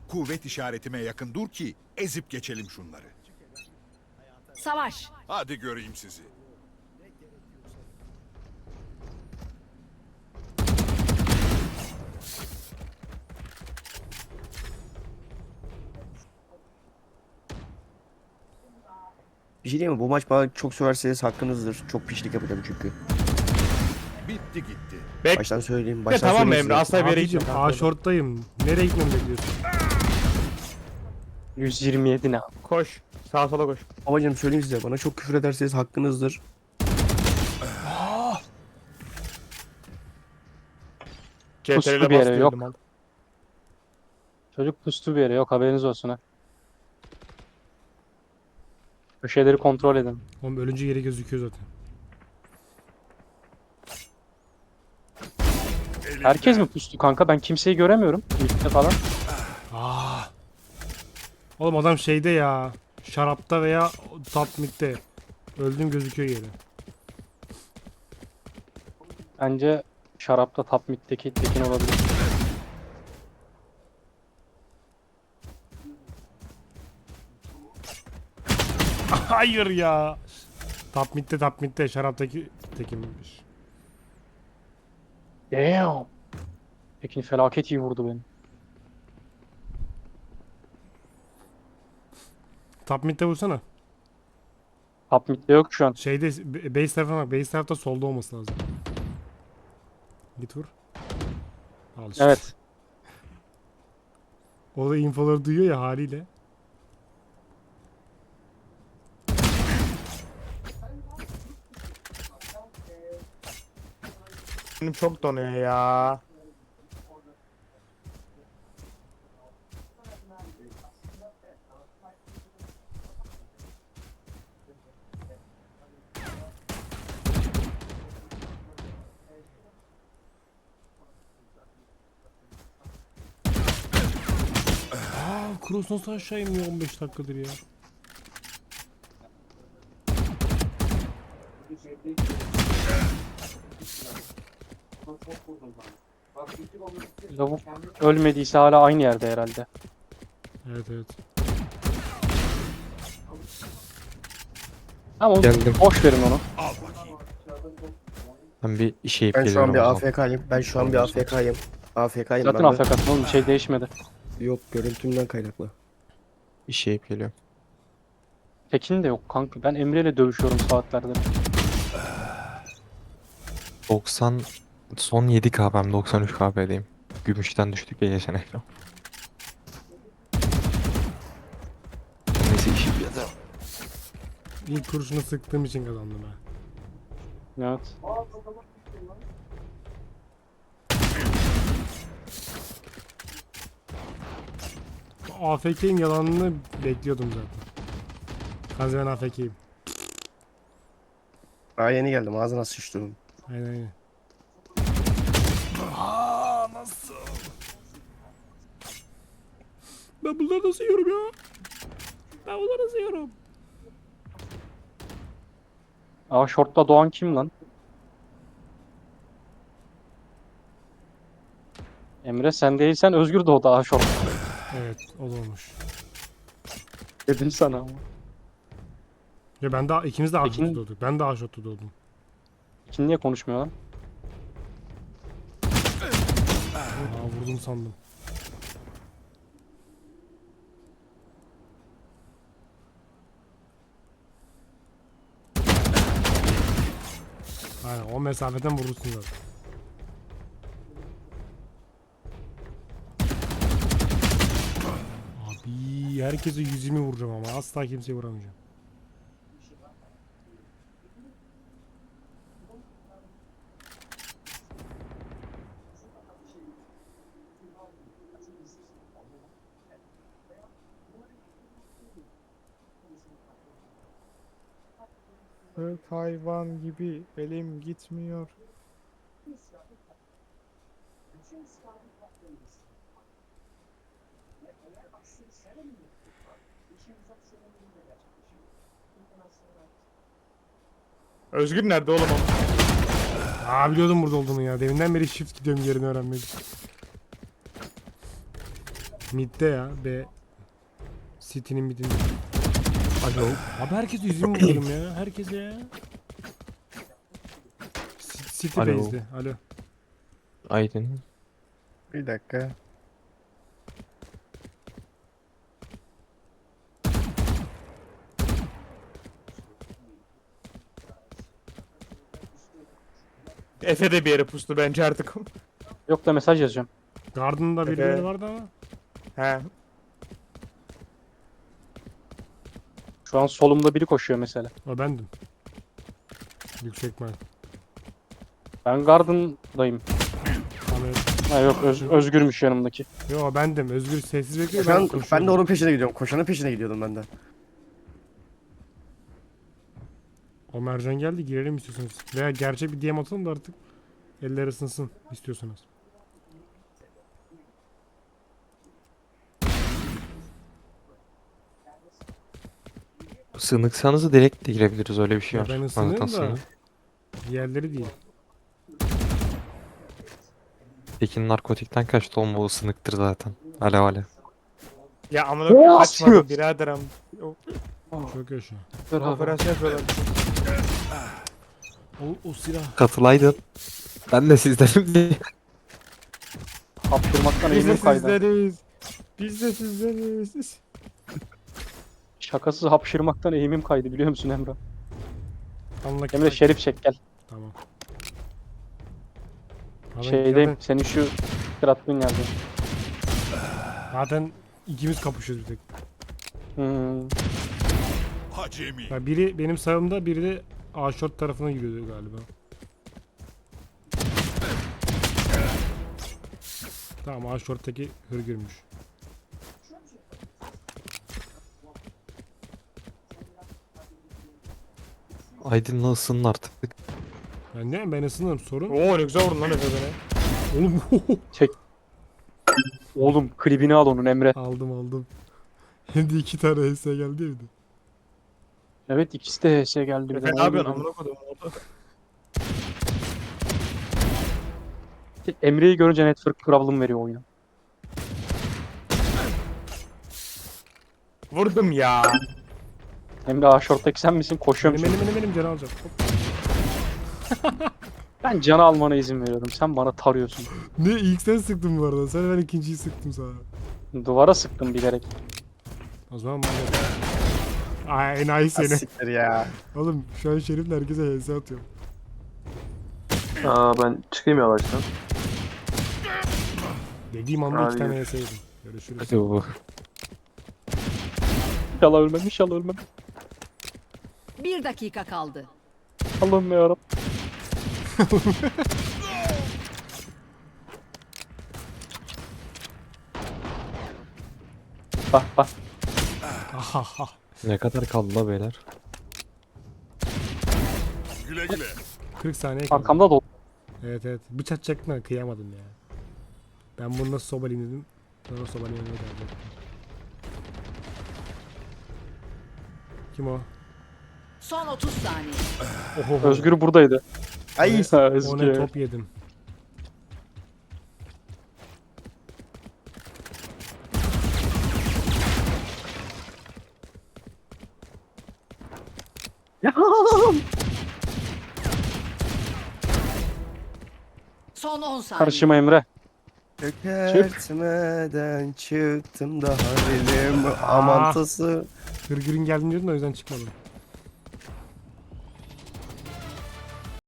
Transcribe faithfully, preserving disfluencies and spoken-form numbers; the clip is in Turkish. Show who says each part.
Speaker 1: Kuvvet işaretime yakın dur ki ezip geçelim şunları.
Speaker 2: Savaş.
Speaker 1: Hadi göreyim sizi.
Speaker 3: Bir şey diyeyim mi? Bu maç bana çok söverseniz hakkınızdır. Çok pişlik yapacağım çünkü.
Speaker 1: Bitti gitti.
Speaker 4: Bek.
Speaker 3: Baştan söyleyeyim.
Speaker 4: De
Speaker 3: Baştan
Speaker 4: tamam mı
Speaker 3: söyleyeyim
Speaker 4: Emre?
Speaker 3: size.
Speaker 4: Asla bir yere
Speaker 5: Abicim
Speaker 4: gitme.
Speaker 5: A short'tayım. Nereye gitmemi bekliyorsun?
Speaker 6: yüz yirmi yedi ne?
Speaker 4: Koş. Sağa sola koş.
Speaker 3: Babacım söyleyeyim size. Bana çok küfür ederseniz hakkınızdır.
Speaker 6: Puslu
Speaker 4: C T R L'e
Speaker 6: bir yere,
Speaker 4: bas
Speaker 6: yok.
Speaker 4: diyordum al.
Speaker 6: Çocuk pustu bir yere, yok haberiniz olsun ha. Köşeleri kontrol edin.
Speaker 5: Oğlum ölünce yeri gözüküyor zaten.
Speaker 6: Herkes mi pustu kanka? Ben kimseyi göremiyorum. Mid'de falan.
Speaker 5: Ah. Oğlum adam şeyde ya. Şarapta veya top mid'de. Öldüğüm gözüküyor yeri.
Speaker 6: Bence şarapta top mid'deki tekin olabilir.
Speaker 5: Hayır ya. Top mid'de top mid'de şaraptaki tekinmiş.
Speaker 6: Damn. Tekin felaket iyi vurdu beni.
Speaker 5: Top mid'de vursana.
Speaker 6: Top mid'de yok şu an.
Speaker 5: Şeyde b- base tarafına bak. Base tarafta solda olması lazım. Git vur. Al işte.
Speaker 6: Evet.
Speaker 5: O da infoları duyuyor ya haliyle.
Speaker 4: Benim çok donuyor ya.
Speaker 5: Aa, Kroos nasıl aşağı iniyor on beş dakikadır ya.
Speaker 6: Lavuk ölmediyse hala aynı yerde herhalde.
Speaker 5: Evet evet.
Speaker 6: Ama
Speaker 7: Geldim.
Speaker 6: boş verin onu.
Speaker 1: Al bakayım.
Speaker 7: Ben bir işe
Speaker 3: Ben şu an
Speaker 7: geliyorum
Speaker 3: bir
Speaker 7: o zaman.
Speaker 3: A F K'yim. Ben şu an bir A F K'yim. A F K'yim
Speaker 6: Zaten
Speaker 3: ben de.
Speaker 6: afk'sın oğlum, bir şey değişmedi.
Speaker 3: Yok, görüntümden kaynaklı.
Speaker 7: İşe geliyorum.
Speaker 6: Tekin de yok kanka. Ben Emre ile dövüşüyorum saatlerdir.
Speaker 7: doksan son yedi K P'm doksan üç K P'deyim. Gümüşten düştük ya geçen ekran. Neyse işi yapacağım.
Speaker 5: İlk kurşunu sıktığım için kazandım ha.
Speaker 6: Evet.
Speaker 5: A F K'in yalanını bekliyordum zaten. Kanka ben A F K'yim.
Speaker 3: Daha yeni geldim. Ağzına sıçtım.
Speaker 5: Aynen aynen. Aa, nasıl? Ben bunları nasıl yiyorum ya? Ben bunları nasıl yiyorum?
Speaker 6: Aa, short'ta Doğan kim lan? Emre sen değilsen Özgür doğdu aa short.
Speaker 5: Evet, o da olmuş.
Speaker 6: Dedim sana ama.
Speaker 5: Ya ben daha ikimiz de A
Speaker 6: Peki-
Speaker 5: shot'ta doğduk. Ben de A shot'ta doğdum.
Speaker 6: Kim niye konuşmuyor lan?
Speaker 5: Aa, vurdum sandım. Aynen o mesafeden vurursun zaten. Abi herkese yüz yirmi vuracağım ama asla kimseye vuramayacağım.
Speaker 4: Evet, hayvan gibi elim gitmiyor. Özgür nerede oğlum o?
Speaker 5: Aa biliyordum burada olduğunu ya. Deminden beri shift gidiyorum yerini öğrenmek için. Mid'de ya. B. City'nin mid'inde. Alo. Abi herkes yüzümü vuruyorum ya. Herkese ya. C- City
Speaker 7: Alo.
Speaker 5: base'de. Alo.
Speaker 7: Aydın.
Speaker 3: Bir dakika.
Speaker 4: Efe de bir yere pustu bence artık.
Speaker 6: Yok da mesaj yazacağım.
Speaker 5: Garden'da
Speaker 4: Evet.
Speaker 5: birileri vardı ama.
Speaker 4: He.
Speaker 6: Şu an solumda biri koşuyor mesela.
Speaker 5: O bendim. Yüksek ihtimal.
Speaker 6: Ben Garden'dayım.
Speaker 5: Tamam, evet.
Speaker 6: Ha yok Öz- Özgürmüş yanımdaki.
Speaker 5: Yo bendim. Özgür sessiz bekliyor.
Speaker 3: Koşan, ben
Speaker 5: koşuyorum.
Speaker 3: de onun peşine gidiyorum. Koşanın peşine gidiyordum ben de.
Speaker 5: O mercan geldi, girelim istiyorsanız. Veya gerçek bir D M atalım da artık eller ısınsın istiyorsanız.
Speaker 7: Sığınıksanız direkt de girebiliriz, öyle bir şey
Speaker 5: Ya
Speaker 7: var.
Speaker 5: ben
Speaker 7: Zaten
Speaker 5: ısınıyorum da
Speaker 7: sığınık.
Speaker 5: diğerleri değil.
Speaker 7: Tekin narkotikten kaçtı oğlum, bu ısınıktır zaten. Alev alev.
Speaker 4: Ya amına koyayım,
Speaker 6: Oo,
Speaker 4: kaçmadım
Speaker 6: atıyor.
Speaker 4: birader am. O-
Speaker 5: Çok yaşa.
Speaker 4: Operasyon yapıyorlar.
Speaker 5: O, o silah.
Speaker 7: Katılaydın. Ben de sizdenim diye.
Speaker 6: Hapşırmaktan
Speaker 4: Biz de
Speaker 6: eğimim kaydı.
Speaker 4: sizleriz. Biz de sizleriz.
Speaker 6: Şakasız hapşırmaktan eğimim kaydı biliyor musun Emre?
Speaker 5: Anlak.
Speaker 6: Emre şerif çek gel.
Speaker 5: Tamam. Abi
Speaker 6: Şeydeyim.
Speaker 5: Zaten,
Speaker 6: Senin şu kırattığın yerde.
Speaker 5: zaten ikimiz kapışıyoruz bir tek.
Speaker 6: Hmm.
Speaker 1: Hacemi.
Speaker 5: Ya biri benim sağımda, biri de A short tarafına gidiyordu galiba. Tamam, A short'taki hırgürmüş.
Speaker 7: Aydın'la ısının artık.
Speaker 5: Ben ne? Ben ısınırım, sorun.
Speaker 4: Oo ne güzel vurdun lan Efe beni.
Speaker 5: Oğlum
Speaker 6: Oğlum klibini al onun Emre.
Speaker 5: aldım aldım. Hem de iki tane H S geldi evde.
Speaker 6: Evet ikisi de H S geldi. bir de.
Speaker 4: Efe ne yapıyorsun amına koyayım orada?
Speaker 6: Emre'yi görünce network problem veriyor oyuna.
Speaker 4: Vurdum ya.
Speaker 6: Emre A short'taki sen misin? Koşuyorum
Speaker 5: Benim
Speaker 6: şimdi.
Speaker 5: benim benim benim canı alacağım. Hop.
Speaker 6: Ben canı almana izin veriyorum. Sen bana tarıyorsun.
Speaker 5: Ne, ilk sen sıktın bu arada. Sen, ben ikinciyi sıktım sana.
Speaker 6: Duvara sıktım bilerek.
Speaker 5: O zaman bana. Ay enayi
Speaker 3: Ha,
Speaker 5: seni.
Speaker 3: siktir ya.
Speaker 5: Oğlum şu an Şerif'le herkese H S atıyorum.
Speaker 2: Aa ben çıkayım yavaştan.
Speaker 5: Dediğim anda
Speaker 2: Hadi
Speaker 5: iki tane H
Speaker 2: görüşürüz.
Speaker 5: S yedim. Görüşürüz.
Speaker 7: Hadi bu.
Speaker 6: İnşallah ölmem, inşallah ölmem.
Speaker 8: Bir dakika kaldı.
Speaker 6: Allah'ım yarabbim. Bak bak.
Speaker 5: Ahaha.
Speaker 7: Ne kadar kaldı la beyler?
Speaker 1: Güle güle.
Speaker 5: kırk saniye kaldı.
Speaker 6: Arkamda dolu.
Speaker 5: Evet evet. Bıçak çekme, kıyamadım ya. Ben bunu nasıl sobalayayım dedim. Sonra sobalayayım dedim. Kim o?
Speaker 8: Son otuz saniye.
Speaker 5: Oho.
Speaker 6: Özgür buradaydı.
Speaker 3: Ay.
Speaker 6: Ha,
Speaker 5: O ne,
Speaker 6: Özgür.
Speaker 5: top yedim.
Speaker 8: Son on saniye.
Speaker 6: Karışıma Emre.
Speaker 3: Çökertmeden çıktım da halim amantası.
Speaker 5: Hırgürün geldiğini diyordun da o yüzden çıkmadım.